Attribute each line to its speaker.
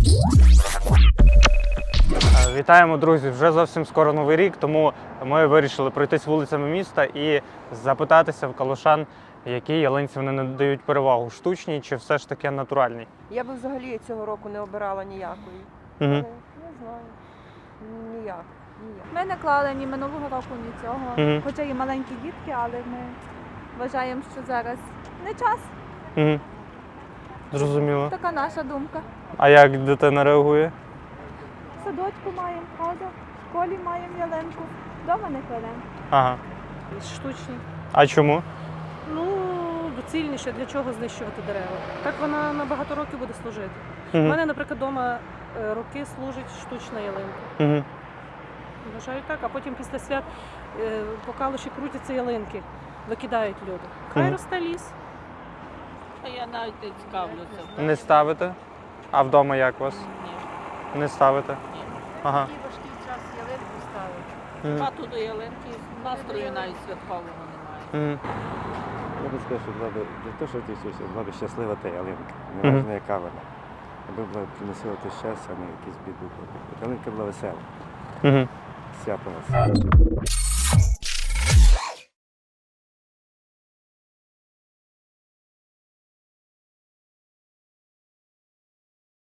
Speaker 1: Вітаємо, друзі! Вже зовсім скоро Новий рік, тому ми вирішили пройтись вулицями міста і запитатися в калушан, якій ялинці вони надають перевагу – штучній чи все ж таки натуральній?
Speaker 2: Я би взагалі цього року не обирала ніякої.
Speaker 1: Угу.
Speaker 2: Не знаю. Ніяк.
Speaker 3: Ми не клали ні минулого року, ні цього.
Speaker 1: Мгм.
Speaker 3: Хоча і маленькі дітки, але ми вважаємо, що зараз не час.
Speaker 1: Угу. Зрозуміло.
Speaker 3: Така наша думка.
Speaker 1: А як дитина реагує?
Speaker 3: В садочку маємо ходу, в школі маємо ялинку, вдома не кладемо.
Speaker 1: Ага.
Speaker 4: Штучні.
Speaker 1: А чому?
Speaker 4: Ну, доцільніше, для чого знищувати дерева. Так вона на багато років буде служити. У
Speaker 1: Угу.
Speaker 4: мене, наприклад, вдома роки служить штучна ялинка.
Speaker 1: Угу.
Speaker 4: Вважаю так, а потім після свят по калуші крутяться ялинки, викидають люди. Хай
Speaker 1: Мгм.
Speaker 4: росте ліс.
Speaker 5: А я навіть не цікавлюся.
Speaker 1: Не ставите? А вдома як у вас?
Speaker 5: Ні.
Speaker 1: Не ставите?
Speaker 5: Ні.
Speaker 1: Ага.
Speaker 5: Такий важкий час ялинку ставити.
Speaker 1: Мгм.
Speaker 5: Хату до ялинки, настрою навіть святкового немає.
Speaker 1: Мгм.
Speaker 6: Я би сказав, що була б для того, що ти все, була б щаслива та ялинка.
Speaker 1: Мгм.
Speaker 6: Неважно, яка вона. Аби була приносила те щастя, а не якісь біду. Ялинка була весела.
Speaker 1: Мгм.
Speaker 6: Свято у нас.